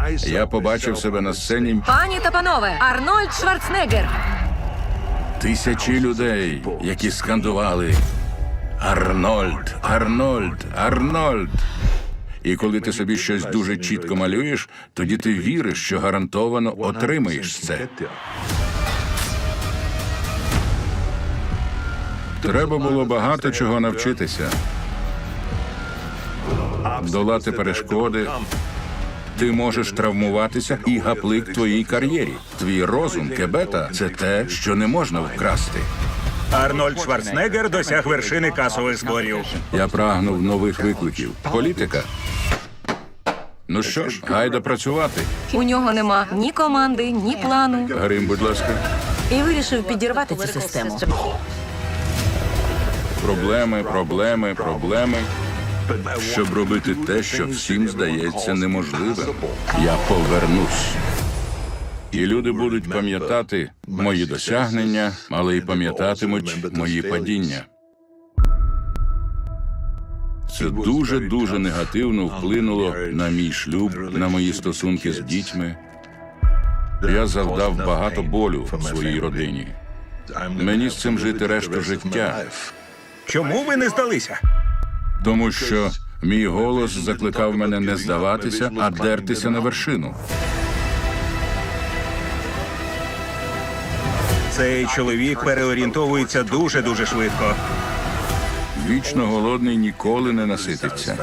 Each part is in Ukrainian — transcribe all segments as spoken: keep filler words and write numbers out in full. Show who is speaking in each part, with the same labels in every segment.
Speaker 1: Я побачив себе на сцені.
Speaker 2: Пані та панове, Арнольд Шварценеггер.
Speaker 1: Тисячі людей, які скандували «Арнольд! Арнольд! Арнольд!». І коли ти собі щось дуже чітко малюєш, тоді ти віриш, що гарантовано отримаєш це. Треба було багато чого навчитися. Долати перешкоди. Ти можеш травмуватися і гаплик твоїй кар'єрі. Твій розум, кебета – це те, що не можна вкрасти.
Speaker 3: Арнольд Шварценеггер досяг вершини касових зборів.
Speaker 1: Я прагнув нових викликів. Політика. Ну що ж, гайда працювати.
Speaker 2: У нього нема ні команди, ні плану.
Speaker 1: Грим, будь ласка.
Speaker 2: І вирішив підірвати цю систему.
Speaker 1: Проблеми, проблеми, проблеми. Щоб робити те, що всім здається неможливим. Я повернусь. І люди будуть пам'ятати мої досягнення, але й пам'ятатимуть мої падіння. Це дуже-дуже негативно вплинуло на мій шлюб, на мої стосунки з дітьми. Я завдав багато болю в своїй родині. Мені з цим жити решту життя.
Speaker 3: Чому ви не здалися?
Speaker 1: Тому що мій голос закликав мене не здаватися, а дертися на вершину.
Speaker 3: Цей чоловік переорієнтовується дуже-дуже швидко.
Speaker 1: Вічно голодний ніколи не насититься.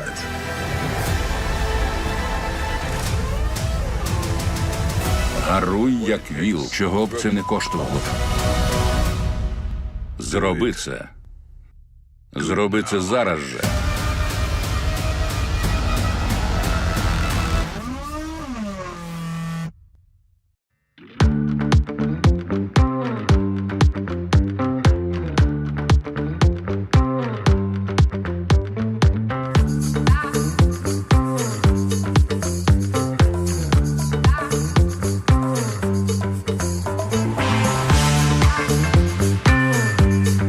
Speaker 1: Гаруй, як віл, чого б це не коштувало. Зроби це. Зроби це зараз же.